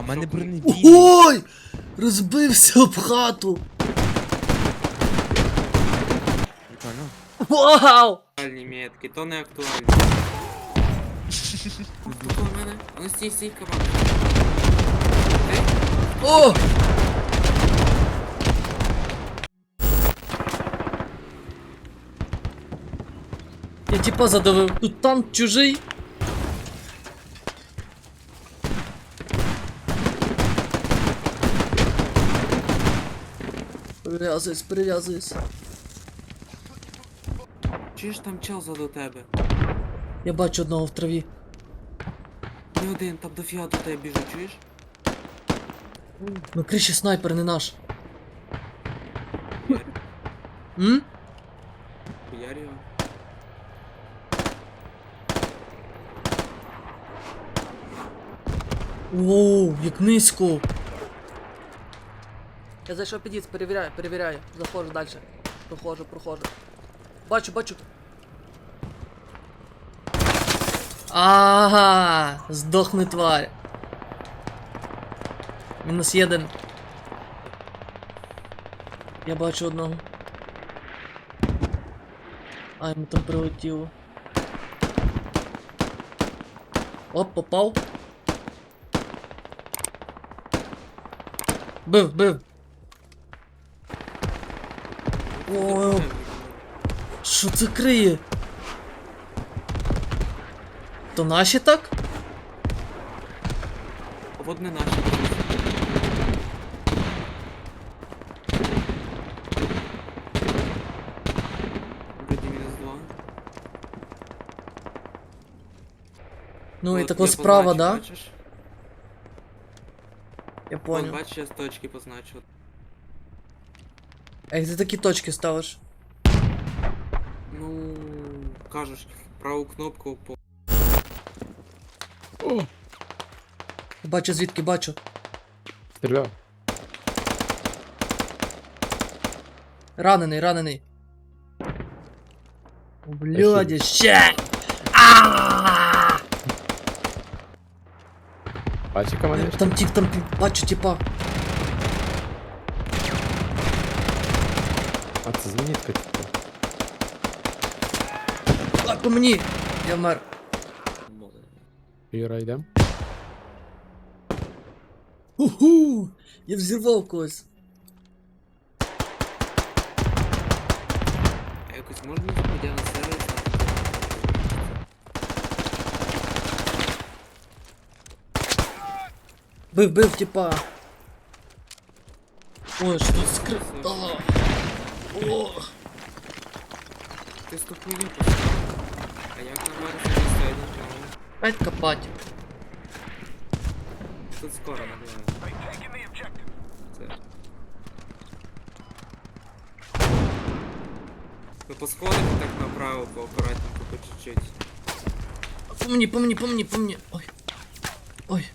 мене бронебійний. Ой! Розбився об хату! Прикольно. Вау! Актуальні метки, то не актуальні. Тут у мене. Ну стій, команда. О! Я типа задавив. Тут танк чужий. Прив'язуюсь. Чуєш там чел до тебе? Я бачу одного в траві. Не один, там дофіга до тебе біжить, чуєш? На криші снайпер не наш. М? Хуярь його. Оу, як низько. Я зайшов під'їзд, перевіряю. Заходжу далі. Проходжу. Бачу. Ага, здохни, тварь. -1. Я бачу одного. А, йому там прилетіло. Оп, попав. Бив. О, що це криє? То наші так? Вот не наші. Вроді -2. Ну і От тако я справа, позначив, да? бачиш? Я Вон, понял. бачиш, я з точки позначив. А як ти такі точки ставиш? Ну, кажеш, праву кнопку по... Бачу звідки, бачу. Стріляв. Ранений. О, блядь, ще! Бачиш, командир? Там тип, бачу типа. А це зенітка, типу. А, по мені! Я вмер. Юра, йдем? Уху! Я взірвав когось. А якось можна заходя на сервіс? Бив, типа. Ой, що тут скрив. О! Ти стопуй А як на Марсі не стоїть нічого? Опять копать. Тут скоро набиває. Це. Ну по сходах так направо, поаккуратненько, по чуть-чуть. По мені. Ой.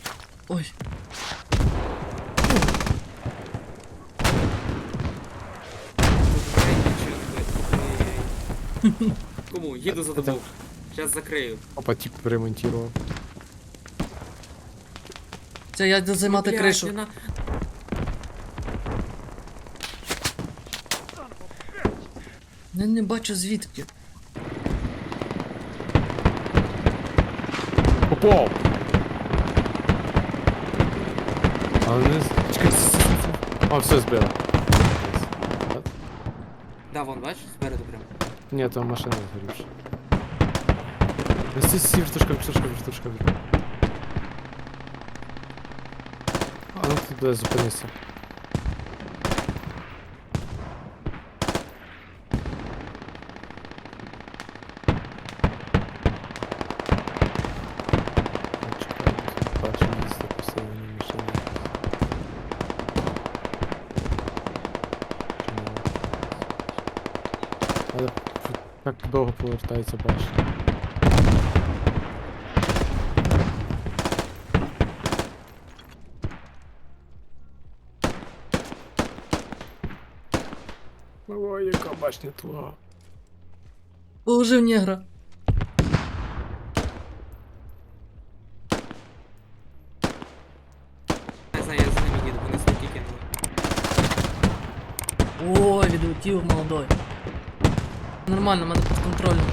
Кому? Їду за тобою. Сейчас закрию. Опа, тип ремонтував. Це я йду займати Блядь, кришу. не на- Я не бачу звідки. Попав! Але не... Чекай, А, все, збила. Да, вон, бачиш, спереду прям. Ні, там машина згорівша. Сі, вертушка. А ну туди зупинися. Бачу, місце посилені машини. Але так довго повертається, бачиш. Ой, яка башня твоя. Положив негра. полетів молодой. Нормально, в мене під контролем.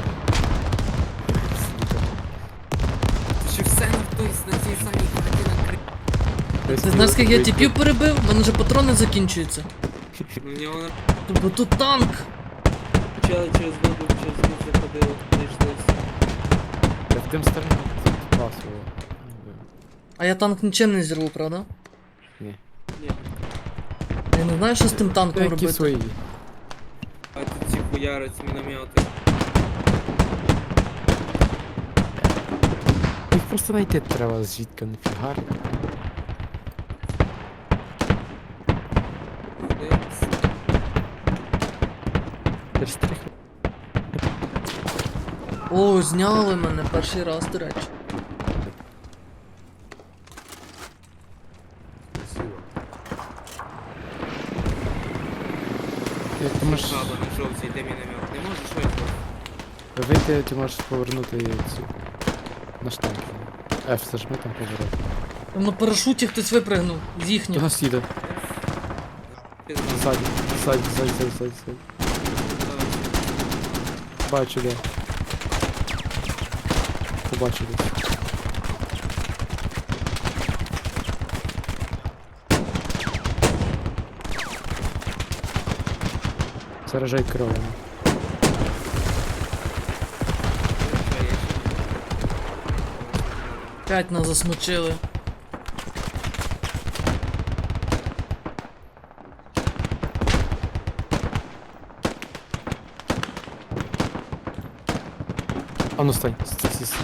Ще все на той, на цій самій хаті накрив. Ти знаєш, скільки я тіпів перебив? У мене вже патрони закінчуються. Ну, в нього на Бо тут танк. почали через воду, через воду заходили, знайшлися. Я в тим сторону пасував. А я танк нічим не зірву, правда? Ні. Ні. Я не знаю, що з тим танком Які робити. свої. А тут ці хуярить міномети. Їх просто знайти треба звідки не фігар. Дивись. Через 3 О, зняли мене перший раз, до речі. Як ти можеш Жаба на жовтій, де міномет. Не можеш вийти? вийти, ти можеш повернути цю на штанг. F зажми там поворот. Там на парашуті хтось випригнув з До їхнього. нас їде. Пізна. Ззаді, ззаді, ззаді, ззаді, ззаді, ззаді. Бачу, де. Побачу десь. Заражай кров'ю. П'ять нас засмочили. А ну стань, стань.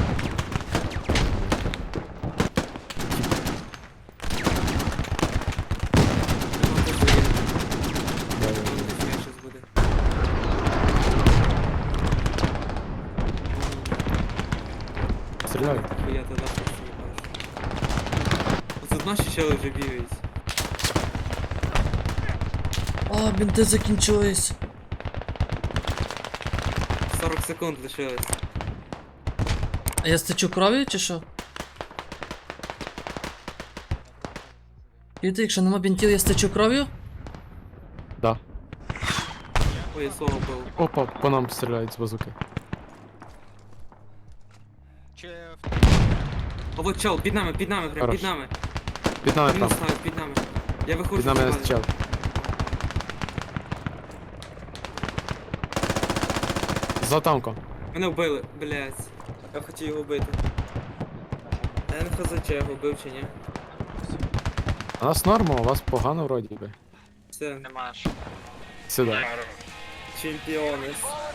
Стріляй. Я тоді просто не бачу. Тут наші чели вже бігають. А, бінти закінчились. 40 секунд лишилось. А я стечу кров'ю чи що? Чуєте, якщо нема бінтів, я стечу кров'ю? Да. Ой, я слово бив. Опа, по нам стріляють з базуки. О, вот чел, під нами, прям Хорош. під нами. Під нами Він там. ставить під нами. Я виходжу. Під нами з бази. чел. За танком. Мене вбили, блядь. Я хотів його вбити. Я не хз, чи я його вбив чи ні. У нас норма, у вас погано вроді би. Все, Сюди. чемпіонес.